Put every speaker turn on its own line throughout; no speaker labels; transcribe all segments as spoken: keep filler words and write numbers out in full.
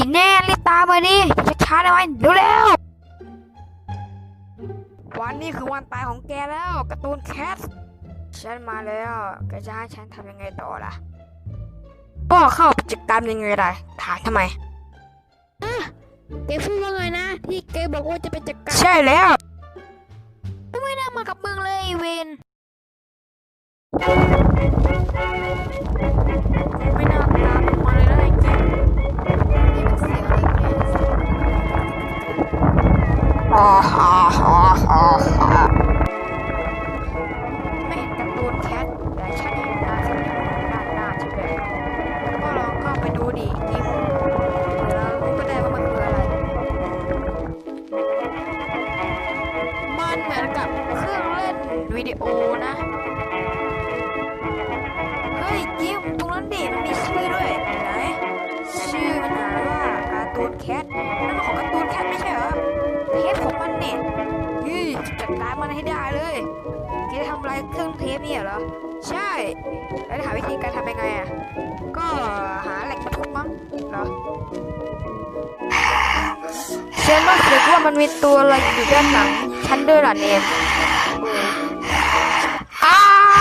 แน่รีบตามมาดิจะช้าได้ไหมเร็วๆวันนี้คือวันตายของแกแล้วการ์ตูนแคทฉันมาแล้วแกจะให้ฉันทำยังไงต่อล่ะก็เข้ากิจกรรมยังไงได้ถามทำไม
แกพูดว่าไงนะที่แกบอกว่าจะไปจัดการ
ใช่แล้ว
ไม่น่ามากับมึงเลยเวน
ไม่น่าตามมาเลยนะไอ้แกนี่มันเสียงอะไรเนี่ยฮ่าฮ่าฮ่าฮ่าฮ่าไม่เห็นการ์ตูนแคทแต่ฉันเห็นนายคนนี้ด้านหน้าใช่ไหมก็ลองเข้าไปดูดิกิมแล้วรู้ก็ได้ว่ามันคืออะไรมันเหมือนกับเครื่องเล่นวิดีโอนะเฮ้ยกิมตรงนั้นดิมันมีชื่อด้วยไหนชื่อมันอ่านว่าการ์ตูนแคทนั่นมันของการ์ตูนแคทไม่ใช่เหรอเทปของมันเนี่ยยี่จัดการมันให้ได้เลยแกจะทำอะไรเครื่องเทปเนี่ยเหรอใช่แล้วหาวิธีการทำยังไงอ่ะก็หาแหล่งมาทุบมั้งเหรอเชื่อว่าเสียว่ามันมีตัวอะไรอยู่ด้านหลังฉันด้วยล่ะเนมอ้า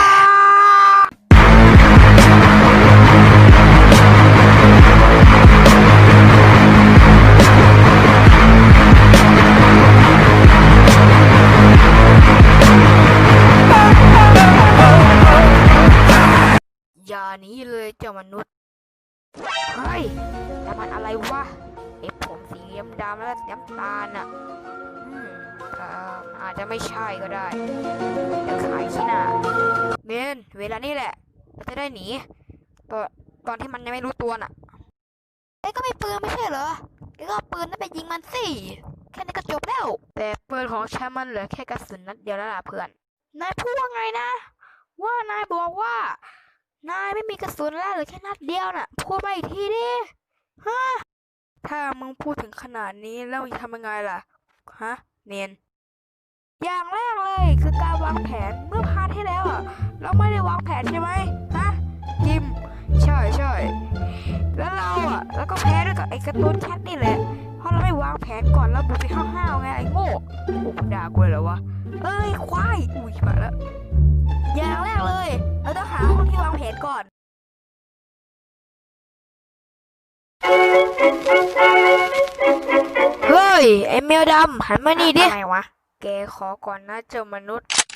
อย่าหนีเลยเจ้ามนุษย์เฮ้ยแต่มันอะไรวะไอ้ผมสีดำๆแล้วน้ำตาลอ่ะอืมเอ่ออาจจะไม่ใช่ก็ได้เดี๋ยวขายขี้หน้าเมนเวลานี้แหละเราจะได้หนีตอนตอนที่มันยังไม่รู้ตัวน่ะเอ้ก็มีปืนไม่ใช่เหรอเอ้ก็เอาปืนนั่นไปยิงมันสิแค่นี้ก็จบแล้วแต่ปืนของฉันมันเหลือแค่กระสุนนัดเดียวแล้วล่ะเพื่อนนายพูดว่าไงนะว่านายบอกว่านายไม่มีกระสุนแล้วเหลือแค่นัดเดียวน่ะพูดมาอีกทีดิฮะถ้ามึงพูดถึงขนาดนี้แล้วมึงทำยังไงล่ะฮะเนนอย่างแรกเลยคือการวางแผนเมื่อพาร์ทที่แล้วอ่ะเราไม่ได้วางแผนใช่ไหมฮะจิมใช่ใช่แล้วเราอ่ะแล้วก็แพ้ด้วยกับไอ้การ์ตูนแคทนี่แหละเพราะเราไม่วางแผนก่อนเราบุกไปห้าวๆไงไอ้โง่โอ้ด่ากูเลยเหรอวะเอ้ยควายอุ้ยมาแล้วอย่างแรกเลยเราต้องหาห้องที่วางแผนก่อนเฮ้ยไอ้แมวดำหันมานี่ดิอะไรวะแกขอก่อนนะเจ้ามนุษย์